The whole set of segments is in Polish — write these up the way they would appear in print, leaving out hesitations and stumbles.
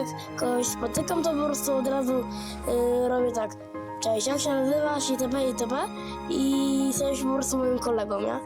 kogoś spotykam, to po prostu od razu robię tak. Cześć, jak się nazywasz itp. itp. I jesteś po prostu moim kolegą, nie?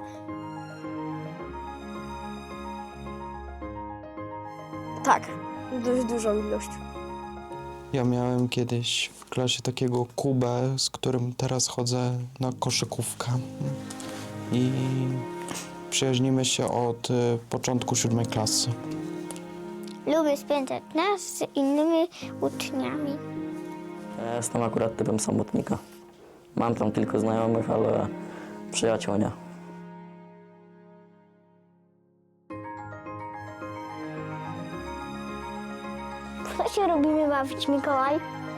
Tak, dość dużą ilość. Ja miałem kiedyś w klasie takiego Kubę, z którym teraz chodzę na koszykówkę. I przyjaźnimy się od początku 7 klasy. Lubię spędzać czas z innymi uczniami. Ja jestem akurat typem samotnika. Mam tam tylko znajomych, ale przyjaciół nie. Co się robimy bawić, Mikołaj?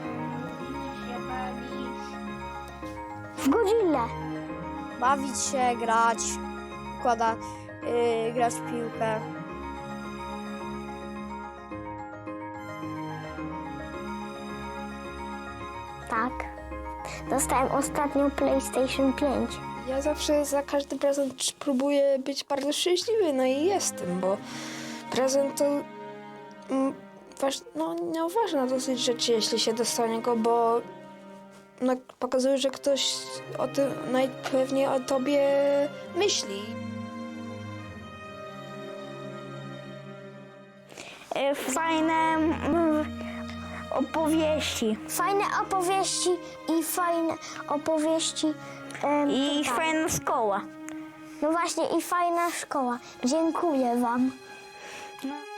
W Godzillę. Bawić się, grać, grać w piłkę. Tak. Dostałem ostatnio PlayStation 5. Ja zawsze za każdy prezent próbuję być bardzo szczęśliwy, no i jestem, bo prezent to ważna dosyć rzecz, jeśli się dostanie go, bo pokazuje, że ktoś o tym najpewniej o tobie myśli. Fajne opowieści. Fajne opowieści i fajne opowieści. I fajna szkoła. No właśnie, i fajna szkoła. Dziękuję wam.